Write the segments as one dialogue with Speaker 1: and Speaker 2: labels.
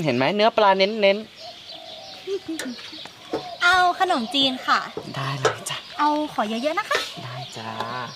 Speaker 1: เห็นไหมเนื้อปลาเน้น
Speaker 2: เอาขนมจีนค่ะ
Speaker 1: ได้เลยจ้ะ
Speaker 2: เอาขอเยอะๆนะคะ
Speaker 1: ได้จ้า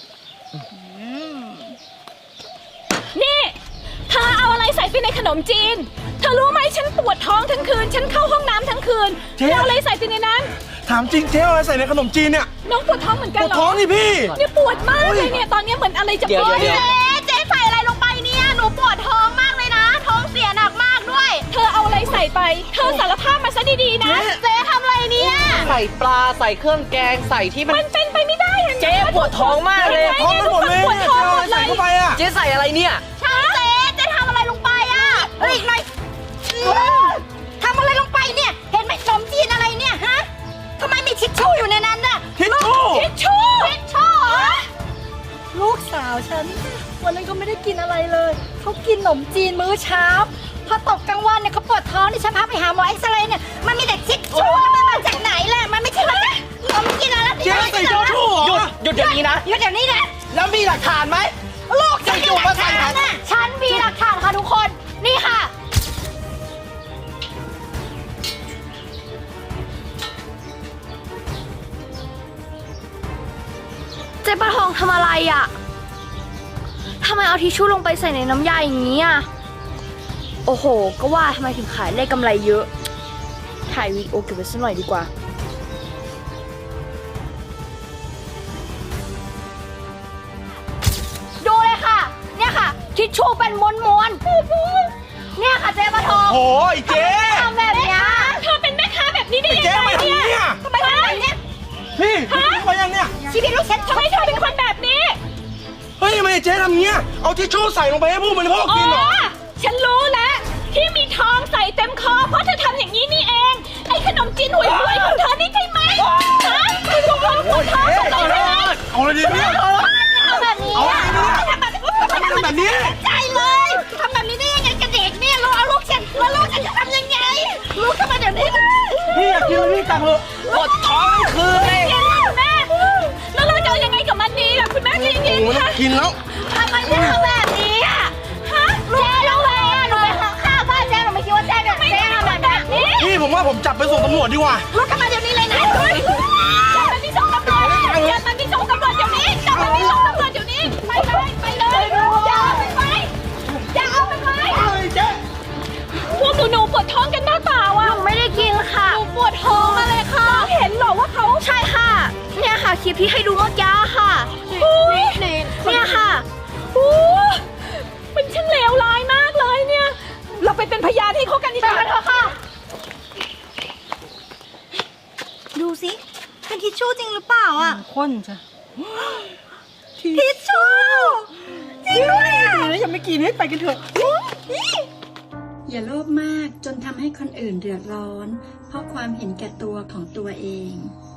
Speaker 3: นี่เธอเอาอะไรใส่ไปในขนมจีนเธอรู้ไหมฉันปวดท้องทั้งคืนฉันเข้าห้องน้ำทั้งคืนเธอเอาอะไรใส่ไปในนั้น
Speaker 4: ถามจริงเจ๊เอาอะไรใส่ในขนมจีนเนี่ย
Speaker 3: น้องปวดท้องเหมือนกันเหรอ
Speaker 4: ปวดท้องนี่พี่
Speaker 3: เนี่ยปวดมากเลยเนี่ยตอนนี้เหมือนอะไรจะปวด
Speaker 2: เจ๊ใส่อะไรลงไปเนี่ยหนูปวดท้องมากเลยนะท้องเสียหนักมากด้วย
Speaker 3: เธอเอาอะไรใส่ไปเธอสารภาพมาซะดีๆนะ
Speaker 2: เจ๊ทำอะไรเนี่ย
Speaker 1: ใส่ปลาใส่เครื่องแกงใส่ที่มัน
Speaker 3: เป็นไปไม่ได้
Speaker 1: เจ๊ปวดท้องมากเลย
Speaker 4: ท้องมันหมดเลยเจ๊เอาอะไรใส่เข้าไปอ่ะ
Speaker 1: เจ๊ใส่อะไรเนี่ย
Speaker 2: เจ๊ทำอะไรลงไปอ่ะอีกหน่อยทำอะไรลงไปเนี่ยเห็นไหมขนมจีนอะไรเนี่ยฮะทำไมมีทิชชู่อยู่ในนั้นน่ะ
Speaker 4: ทิชชู่
Speaker 2: ลูกสาวฉันวันนั้นก็ไม่ได้กินอะไรเลยเขากินขนมจีนมื้อเช้าพอตกกลางวันเนี่ยเขาปวดท้องนี่ฉันพาไปหาหมอเอ็กซเรย์เนี่ยมันมีแต่ทิชชู่มันมาจากไหนล่ะมันไม่ใช่ขนมจีนอะไร
Speaker 4: เจ๊ใส่ทิชชู่
Speaker 1: หยุดเดี๋ยวนี้นะ
Speaker 2: หยุดเดี๋ยวนี้นะ
Speaker 1: แล้วมีหลักฐานไหม
Speaker 2: ลูกฉันมีหลักฐานน่ะฉันมีหลักฐานค่ะทุกคนนี่ค่ะ
Speaker 5: เจ๊ปลาทองทำอะไรอ่ะทำไมเอาทิชชู่ลงไปใส่ในน้ำยาอย่างนี้อ่ะโอ้โหก็ว่าทำไมถึงขายได้กำไรเยอะถ่ายวีดีโอเก็บไว้สักหน่อยดีกว่า
Speaker 2: ดูเลยค่ะเนี่ยค่ะทิชชู่เป็นม้วนๆเนี่ยค่ะเจ๊ปลาทอง
Speaker 4: โอ้ยเจ๊
Speaker 2: ทำแบบนี้
Speaker 3: เธอเป็นแม่ค้าแบบนี้ได้ยังไง
Speaker 4: เนี่ย
Speaker 2: ทำไมทำแบบนี้
Speaker 4: พี่ทำไมยังเนี่ย
Speaker 2: ชีวิตลูกฉัน
Speaker 3: ทำไมเธอเป็นคนแบบนี้
Speaker 4: เฮ้ยทำไมเจ๊ทำเงี้ยเอาทิชชู่ใส่ลงไปให้ผู้บริโภคกินเหรอ
Speaker 3: ฉันรู้แล้วที่มีทองใส่เต็มคอเพราะเธอทำอย่างนี้นี่เองไอ้ขนมจีนห่วยๆของเธอนี่ใช่ไหมฮะคุณลูกเราปวดท้องใช่ไหม
Speaker 4: เอาเลยดิเนี่ย
Speaker 2: ทำแบบนี้ทำ
Speaker 4: แบบนี้
Speaker 2: ใจเลยทำแบบนี้ได้ยังไงกับเด็กเนี่ยเราเอาลูกฉันแล้วลูกฉันจะทำยังไงลูกทำมาเดี๋ยวนี้
Speaker 4: พี่อยากกินอะไรพี่ตักเลย
Speaker 1: ปวดท้องทั้งคืนเลย
Speaker 3: แม่แล้วเราจะยังไงกับมันดีล่ะคุณแม่ใจเย็นค่ะ
Speaker 4: กินแล้ว
Speaker 2: ทำไมเจ๊ทำแบบนี้อ่ะฮะเจ๊รู้ไหมหนูไปข้าวบ้านเจ๊หนูไม่คิดว่าเจ๊ทำแบบนี้
Speaker 4: พี่ผมว่าผมจับไปส่งตำรวจดีกว่า
Speaker 2: ลูกทำมาเดี๋ยวนี้เลยนะ
Speaker 3: จับมันที่ส่งตำรวจจับมันที่ส่งตำรวจเดี๋ยวนี้จับมันที่ส่งตำรวจเดี๋ยวนี้ไปเลยอย่าเอาไปพวกหนูปวดท้องกันหน้าตาว่ะ
Speaker 5: ไม่ได้กินค่ะ
Speaker 3: หนูปวดท้องมาเลยค่ะเห็นหรอว่าเขา
Speaker 5: ใช่ค่ะเนี่ยค่ะคลิปที่ให้ดูเมื่อกี้ค่ะเนี่ยค่ะ
Speaker 3: มันช่างเลวร้ายมากเลยเนี่ยเราไปเป็นพยานให้เขากันดีกว่า
Speaker 2: เถอะค่ะดูสิเป็นทิชชู่จริงหรือเปล่าอ่ะ
Speaker 4: ข้นจ้ะ
Speaker 2: ทิชชู่จริงด้วยอ่ะ
Speaker 4: ยังไม่กินให้ไปกันเถอะ
Speaker 6: อย่าโลภมากจนทำให้คนอื่นเดือดร้อนเพราะความเห็นแก่ตัวของตัวเอง